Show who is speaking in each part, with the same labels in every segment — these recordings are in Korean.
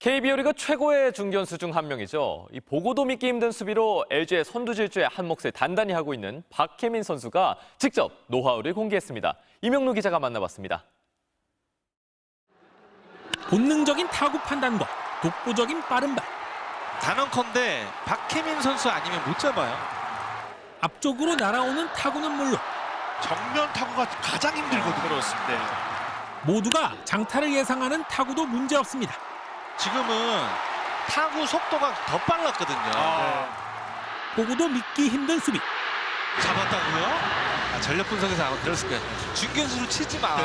Speaker 1: KBO 리그 최고의 중견수 중 한 명이죠. 이 보고도 믿기 힘든 수비로 LG의 선두질주에 한 몫을 단단히 하고 있는 박혜민 선수가 직접 노하우를 공개했습니다. 이명루 기자가 만나봤습니다.
Speaker 2: 본능적인 타구 판단과 독보적인 빠른 발.
Speaker 3: 단언컨대 박혜민 선수 아니면 못 잡아요.
Speaker 2: 앞쪽으로 날아오는 타구는 물론
Speaker 3: 정면 타구가 가장 힘들거든요. 그렇습니다.
Speaker 2: 모두가 장타를 예상하는 타구도 문제없습니다.
Speaker 3: 지금은 타구 속도가 더 빨랐거든요.
Speaker 2: 보고도 믿기 힘든 수비.
Speaker 3: 잡았다고요? 전력 분석에서 아마 그랬을 거예요. 중견수로 치지 마.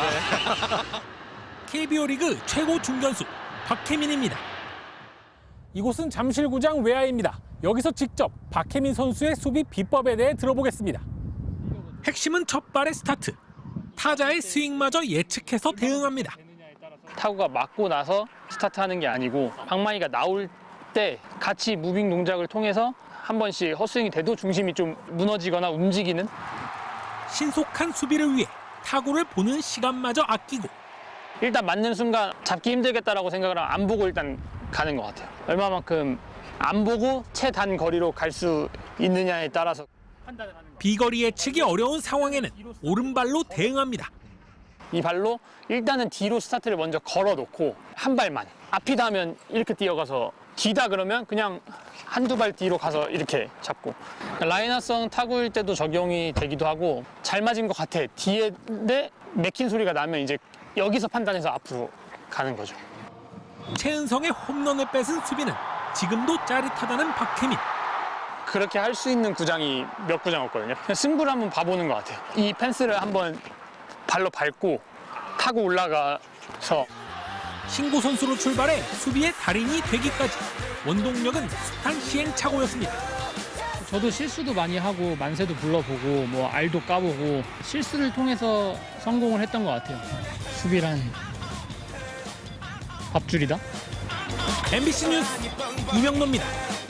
Speaker 2: KBO 리그 최고 중견수 박혜민입니다. 이곳은 잠실구장 외야입니다. 여기서 직접 박혜민 선수의 수비 비법에 대해 들어보겠습니다. 핵심은 첫 발의 스타트. 타자의 스윙마저 예측해서 대응합니다.
Speaker 4: 타구가 맞고 나서 스타트하는 게 아니고 방망이가 나올 때 같이 무빙 동작을 통해서 한 번씩 헛스윙이 돼도 중심이 좀 무너지거나 움직이는.
Speaker 2: 신속한 수비를 위해 타구를 보는 시간마저 아끼고
Speaker 4: 일단 맞는 순간 잡기 힘들겠다라고 생각을 하면 안 보고 일단 가는 것 같아요. 얼마만큼 안 보고 최단 거리로 갈 수 있느냐에 따라서 판단을 하는 거예요.
Speaker 2: 비거리 예측이 어려운 상황에는 오른발로 대응합니다.
Speaker 4: 이 발로 일단은 뒤로 스타트를 먼저 걸어놓고 한 발만. 앞이다 하면 이렇게 뛰어가서 뒤다 그러면 그냥 한두 발 뒤로 가서 이렇게 잡고. 라이너성 타구일 때도 적용이 되기도 하고 잘 맞은 것 같아. 뒤에 맥힌 소리가 나면 이제 여기서 판단해서 앞으로 가는 거죠.
Speaker 2: 최은성의 홈런을 뺏은 수비는 지금도 짜릿하다는 박혜민.
Speaker 4: 그렇게 할 수 있는 구장이 몇 구장 없거든요. 그냥 승부를 한번 봐보는 것 같아요. 이 펜스를 한번 발로 밟고 타고 올라가서
Speaker 2: 신고 선수로 출발해 수비의 달인이 되기까지 원동력은 숱한 시행착오였습니다.
Speaker 5: 저도 실수도 많이 하고 만세도 불러보고 뭐 알도 까보고 실수를 통해서 성공을 했던 것 같아요. 수비란 밥줄이다.
Speaker 2: MBC 뉴스 이명로입니다.